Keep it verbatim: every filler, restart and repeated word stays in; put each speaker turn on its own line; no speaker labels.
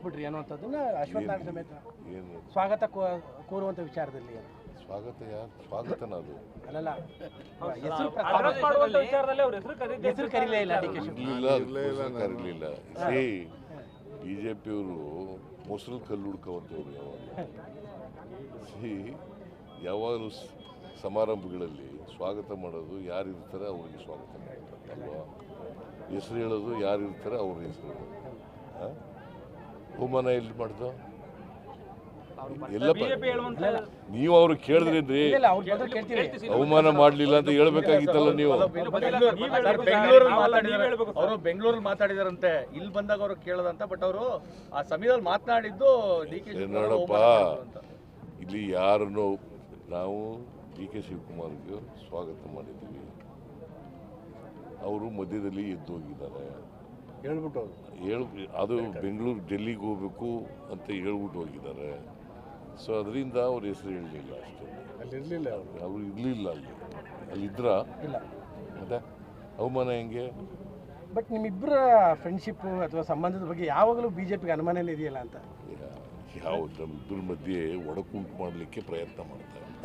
ಕಳಿಸ್ಬಿಟ್ರಿ ಅನ್ನುವಂಥದ್ದನ್ನ ಅಶ್ವತ್ಥ ನಾರಾಯಣ ಸಮೇತ
ಏನು
ಸ್ವಾಗತ ಕೋ- ಕೋರುವಂಥ ವಿಚಾರದಲ್ಲಿ ಅಂತ.
ಸ್ವಾಗತ ಯಾರು ಸ್ವಾಗತನ ಅದು
ಅಲ್ಲಲ್ಲ ಹೆಸರು
ಅಡ್ರೆಸ್ ಮಾಡುವಂತ ವಿಚಾರದಲ್ಲಿ ಅವ್ರ ಹೆಸರು ಕರೀತಿ
ಹೆಸರು ಕರೀಲೇ ಇಲ್ಲ ಡಿ ಕೆ ಶಿವಕುಮಾರ್.
ಇರಲಿಲ್ಲ ಕರೀಲಿಲ್ಲ ಸಿ ಬಿ ಜೆ ಪಿಯವರು ಮೊಸರು ಕಲ್ಲು ಹುಡ್ಕೋವಂಥವ್ರು ಯಾವಾಗ ಸಿ ಯಾವಾಗಲೂ ಸ್- ಸಮಾರಂಭಗಳಲ್ಲಿ ಸ್ವಾಗತ ಮಾಡೋದು ಯಾರು ಇರ್ತಾರೆ ಅವ್ರಿಗೆ ಸ್ವಾಗತ ಮಾಡ್ತಾರೆ ಅಲ್ವಾ. ಹೆಸರು ಹೇಳೋದು ಯಾರು ಇರ್ತಾರೆ ಅವ್ರ ಹೆಸರು ಹೇಳೋದು. ಆ? ಅವಮಾನ ಎಲ್ಲಿ ಮಾಡ್ದು ಎಲ್ಲ
ಬಿಜೆಪಿ ಹೇಳುವಂತ
ನೀವು ಅವ್ರು ಕೇಳಿದ್ರೇನ್ರಿ
ಇಲ್ಲ ಇಲ್ಲ ಅವ್ರು ಬಂದ್ರೆ ಕೇಳ್ತೀವಿ.
ಅವಮಾನ ಮಾಡಲಿಲ್ಲ ಅಂತ ಹೇಳ್ಬೇಕಾಗಿತ್ತಲ್ಲ ನೀವು.
ಬೆಂಗಳೂರಲ್ಲಿ ಮಾತಾಡಿದಾರೆ ಅವರು ಬೆಂಗಳೂರಲ್ಲಿ ಮಾತಾಡಿದಾರಂತೆ ಇಲ್ಲಿ ಬಂದಾಗ ಅವರು ಕೇಳದಂತ ಬಟ್ ಅವರು ಆ ಸಮಯದಲ್ಲಿ ಮಾತನಾಡಿದ್ದು ಡಿ ಕೆ
ನೋಡಪ್ಪ ಇಲ್ಲಿ ಯಾರನ್ನು ನಾವು ಡಿ ಕೆ ಶಿವಕುಮಾರ್ಗೆ ಸ್ವಾಗತ ಮಾಡಿದ್ದೀವಿ. ಅವರು ಮಧ್ಯದಲ್ಲಿ ಎದ್ದು ಹೋಗಿದ್ದಾರೆ
ಹೇಳ್ಬಿಟ್ಟು
ಹೇಳು ಅದು ಬೆಂಗಳೂರು ಡೆಲ್ಲಿಗೆ ಹೋಗ್ಬೇಕು ಅಂತ ಹೇಳ್ಬಿಟ್ಟು ಹೋಗಿದ್ದಾರೆ. ಸೊ ಅದರಿಂದ ಅವ್ರ ಹೆಸರು ಹೇಳಲಿಲ್ಲ ಅಷ್ಟೇ.
ಅಲ್ಲಿ ಇರಲಿಲ್ಲ ಅವರು
ಅವರು ಇರಲಿಲ್ಲ ಅಲ್ಲಿ ಅಲ್ಲಿದ್ರ
ಇಲ್ಲ.
ಮತ್ತೆ ಅವಮಾನ ಹೆಂಗೆ?
ಬಟ್ ನಿಮ್ಮಿಬ್ಬರ ಫ್ರೆಂಡ್ಶಿಪ್ ಅಥವಾ ಸಂಬಂಧದ ಬಗ್ಗೆ ಯಾವಾಗಲೂ ಬಿಜೆಪಿಗೆ ಅನುಮಾನನೇ ಇದೆಯಲ್ಲ ಅಂತ.
ಯಾವ ನಮ್ಮಿಬ್ಬರ ಮಧ್ಯೆ ಒಡಕುಂಟು ಮಾಡಲಿಕ್ಕೆ ಪ್ರಯತ್ನ ಮಾಡ್ತಾರೆ.